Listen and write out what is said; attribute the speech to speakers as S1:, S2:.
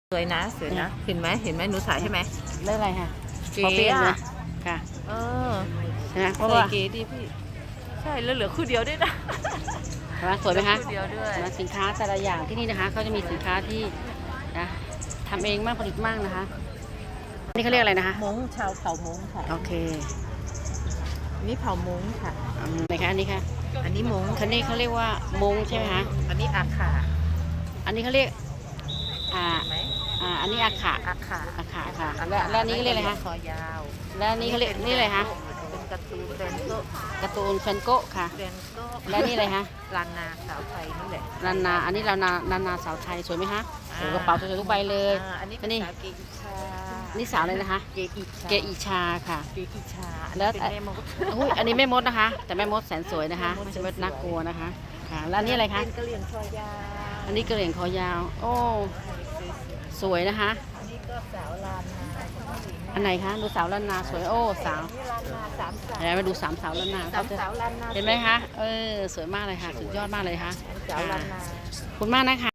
S1: สวยนะสวยนะเห็นไหมหนูถ่ายใช่ไหม
S2: เรื่องอะไรค่ะ
S1: เก๋อะ
S2: ค่ะ
S1: ใช่ไหมเพราะว่าเก๋ดีพี่ใช่แล้วเหลือคู่เดียวด้วยนะ
S2: ใช่ไหมสวยไหมคะ
S1: คู่เดียวด้วย
S2: สินค้าแต่ละอย่างที่นี่นะคะเขาจะมีสินค้าที่นะทำเองมากผลิตมากนะคะนี่เขาเรียกอะไรนะคะ
S1: ม้งชาวเผ่าม้งค่ะ
S2: โอเค
S1: นี่เผ่าม้งค่ะ
S2: ไหนคะอันนี้ค่ะ
S1: อันนี้ม้ง
S2: คันนี้เขาเรียกว่ามงใช่ไหมคะ
S1: อันนี้อาขา
S2: อันนี้เขาเรียกอันนี้อาขา
S1: อาขา
S2: ค่ะแล้วอันนี้เรียกอะไรคะ
S1: คอยาว
S2: แล้วอันนี้เขาเรียกนี่อะไรคะ
S1: เป็นการ์ตูนแฟนโก้
S2: แฟนโก้ค่ะ
S1: แฟนโก้
S2: แล้วนี่อะไรคะ
S1: ลานนาสาวไทยนี่แหละ
S2: ลานนาอันนี้ลานนาสาวไทยสวยไหมคะสวยกระเป๋าสวยทุกใบเลย
S1: อันนี้สาวเกอิชา
S2: นี่สาวเลยนะคะ
S1: เกอิชา
S2: ค่ะ
S1: เกอิชา
S2: แล้ว
S1: เป็นแม่มด
S2: อันนี้แม่มดนะคะแต่แม่มดแสนสวยนะคะไม่ใช่ว่าน่ากลัวนะคะค่ะแล้วอันนี้อะไรคะ
S1: เป็นกะเหรี่ยงคอยาว
S2: อันนี้กระเหลี่ยงคอยาวโอ้สวยนะคะ
S1: อันนี้ก็สาวลานนา
S2: อันไหนคะดูสาวล้านนาสวยโอ้สาว
S1: นี่ลานนาสามสาว
S2: มาดูสามสาวล้านนา
S1: สาวลานนา
S2: เห็นไหมคะสวยมากเลยค่ะสุดยอดมากเลยค่ะ
S1: สาวลานนา
S2: คุณมากนะคะ